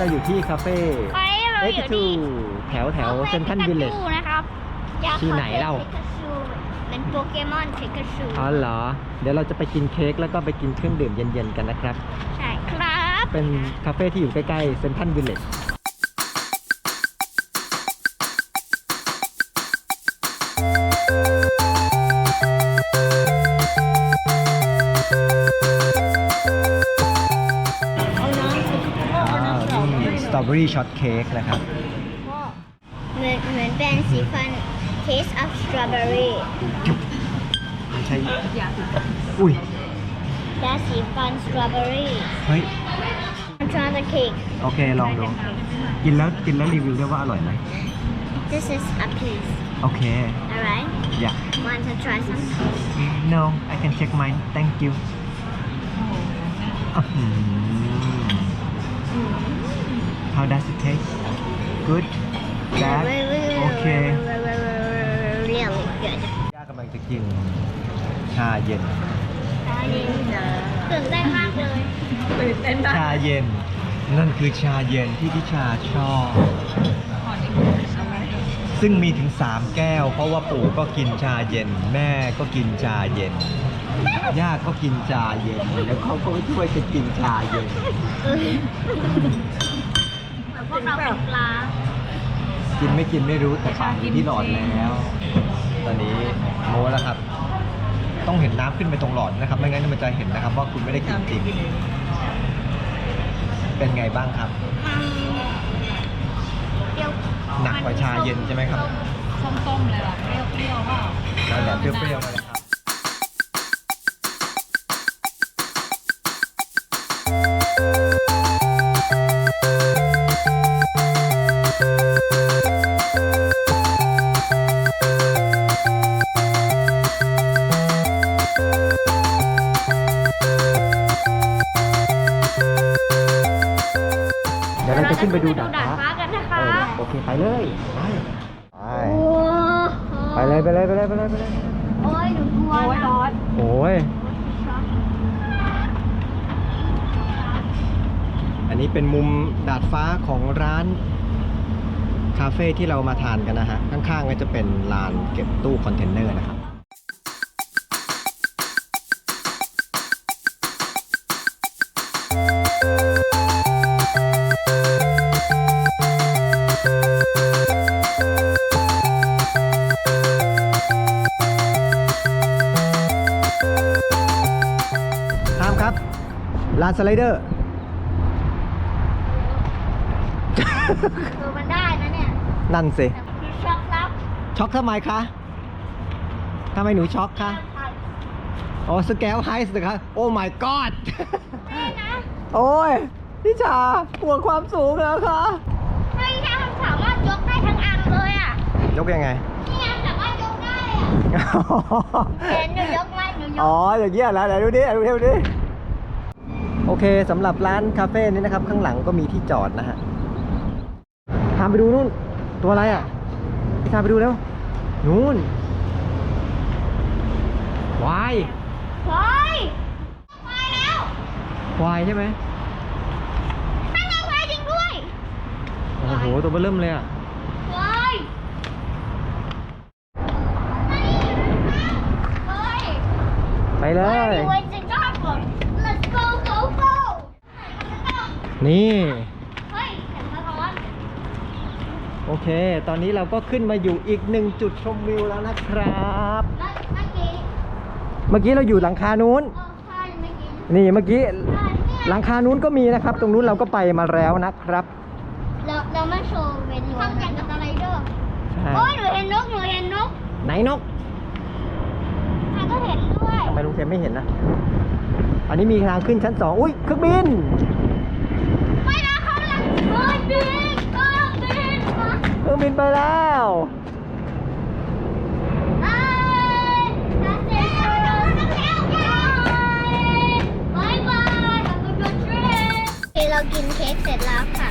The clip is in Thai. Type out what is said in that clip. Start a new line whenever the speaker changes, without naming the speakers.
เราอยู่ที่คาเฟ่
ไปเราอยู่ที่
แถวเซนทรัลวิลเลจ
นะครับอยาก
ที่ไหนเล่า
เป็นโปเกมอนพิกาชู
อ๋อเหรอ เดี๋ยวเราจะไปกินเค้กแล้วก็ไปกินเครื่องดื่มเย็นๆกันนะครับ
ใช่ครับ
เป็นคาเฟ่ที่อยู่ใกล้ๆเซนทรัลวิลเลจสตรอเบอรี่ช็อตเค้กนะครับ
เหมือนเป็นสีฟัน Taste of Strawberry
ไม่ใช่ อุ้ย
และสีฟัน Strawberry
เฮ้ย
Try the cake
โอเค ลองดู กินแล้วรีวิวด้วยว่าอร่อยไหม
This is a piece
โอเค
alright
yeah
want to try some
no I can check mine thank you อื้อหือ how does it taste good bad โอเค
really good
ย่ากำลังจะกินชาเย็น
ตื่นเต้นมากเลย
ชาเย็น นั่นคือชาเย็นที่ทิชาชอบ ซึ่งมีถึง3แก้ว เพราะว่าปู่ก็กินชาเย็น แม่ก็กินชาเย็น ย่าก็กินชาเย็น แล้วเขาก็ช่วยกันกินชาเย็น
พวกเราเป็นปลา
กินไม่กินไม่รู้แต่ปากอยู่ที่หลอดแล้ว ตอนนี้โม้แล้วครับ ต้องเห็นน้ำขึ้นไปตรงหลอดนะครับ ไม่งั้นมันจะเห็นนะครับว่าคุณไม่ได้กินจริง เป็นไงบ้างครับ
เปรี้ยว
หนักกว่าชาเย็นใช่ไหมครับ
ส้มๆเลยล่ะเปรี้ยวๆเปล่า
นั่นแหละเปรี้ยวๆนั่นแหละครับ เดี๋ยวเราจะขึ้นไปดูดาดฟ้า
กันนะคะ
โอเคไปเลยไปเลยไปเลย
โอ้ยหนูกลัว
โอ้ยร้อน
โอ้ยอันนี้เป็นมุมดาดฟ้าของร้านคาเฟ่ที่เรามาทานกันนะฮะข้างๆก็จะเป็นลานเก็บตู้คอนเทนเนอร์นะครับตามครับลานสไลเดอร์
คือมันได้นะเนี่ย
นั่นสิ
คือช็อกแล้ว
ช็อกทำไมคะทำไมหนูช็อกคะอ๋อสแกลไฮส์นะคะโอ้ my god
ไม่นะ
โอ้ยพี่ชาห่วงความสูงแล้วคะ
ไม่ใช่สามารถยกได้ทั้งอันเลยอ่ะ
ยกยังไง
นี่ไงสามารถยกได้อ่ะเห็นหนูยกไหมหนูย
อ๋อก อย่างเงี้ยแล้วไหนดูดิดูดิโอเคสำหรับร้านคาเฟ่นี้นะครับข้างหลังก็มีที่จอดนะฮะตามไปดูนู่นตัวอะไรอ่ะพี่ตามไปดูแล้วนู่นควาย
เฮ้ยไปแล้ว
ควายใช่ไหม
นั่นไงควายจริงด้วย
โอ้โหตัวเบ้อเริ่มเลยอ่ะ
เฮ้ยเฮ้ย
ไปเลย
เฮ้ยจริงจังก่อน let's go go go
นี่
เฮ้ยเห็นสะท้อน
โอเค ตอนนี้เราก็ขึ้นมาอยู่อีกหนึ่งจุดชมวิวแล้วนะครับ
แล้วเมื่อกี้
เมื่อกี้เราอยู่หลังคานู้น
ใช่เมื่อกี้
นี่เมื่อกี้
ใช่เนี่ย
หลังคานู้นก็มีนะครับ ตรงนู้นเราก็ไปมาแล้วนะครับ
เรามาโชว์เป็นทำอย่างกับสไลเดอร์
ใช่
โอ้ยหนูเห็นนกหนูเห็นนก
ไหนนก
ใครก็เห็นด้วย
ทำไมลุงเทมไม่เห็นนะอันนี้มีทางขึ้นชั้น2อุ้ยเครื่องบิน
ไม่นะเขาเลยเฮ้ยบินบินมา
เครื่องบินไปแล้ว
เอ้ยนักเตะบายบาย have a good trip เรากินเค้กเสร็จแล้วค่ะ